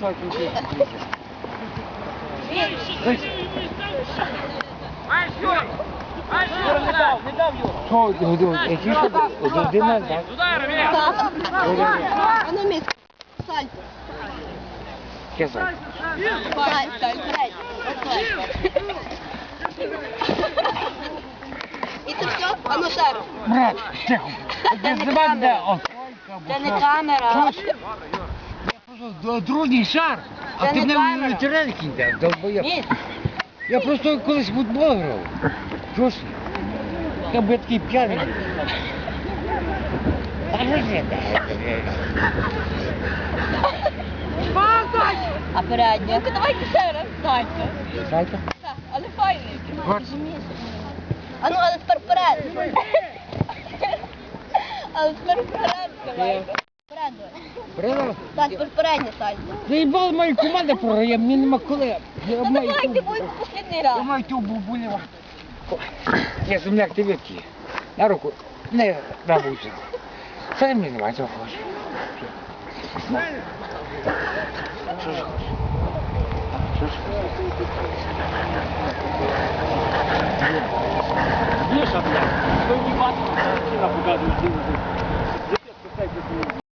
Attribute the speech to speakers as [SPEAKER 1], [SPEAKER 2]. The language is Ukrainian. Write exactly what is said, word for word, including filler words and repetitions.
[SPEAKER 1] мешать не будешь.
[SPEAKER 2] Юра, не дав, не дав, Юра.
[SPEAKER 1] Що, які що? Один, так?
[SPEAKER 3] А ну місце. Сальто.
[SPEAKER 1] Кесар.
[SPEAKER 3] Сальто, і це все? А ну ще раз.
[SPEAKER 1] Брат, тихо.
[SPEAKER 3] Це не камера. Це не камера.
[SPEAKER 1] Я просто дружній шар, а
[SPEAKER 3] Це
[SPEAKER 1] ти
[SPEAKER 3] не
[SPEAKER 1] мене
[SPEAKER 3] камера.
[SPEAKER 1] в теренки йдеш, долбоєб.
[SPEAKER 3] Ні.
[SPEAKER 1] Я просто колись в футбол грав. Чого ж? Я б такий п'яний. Та що ж це?
[SPEAKER 3] А передня? Ну, давайте ще раз. Сальто.
[SPEAKER 1] Сальто?
[SPEAKER 3] Так, але файний.
[SPEAKER 1] От.
[SPEAKER 3] А ну, але тепер вперед. Але тепер вперед давайте. Вперед давай.
[SPEAKER 1] Правда?
[SPEAKER 3] Так, тепер передня сальто.
[SPEAKER 1] Заїбала мою команду програє, мені нема коли. Я
[SPEAKER 3] Ну
[SPEAKER 1] маю
[SPEAKER 3] давайте,
[SPEAKER 1] ту-
[SPEAKER 3] будь послідний раз.
[SPEAKER 1] Я маю ту бубулева. Я земляк, ти випки. На руку. Не на вулицю. Це мені немає, цього хочеш. Що ж хочеш? Що ж хочеш?
[SPEAKER 2] Міша, блядь, ви не бачите, що на показують.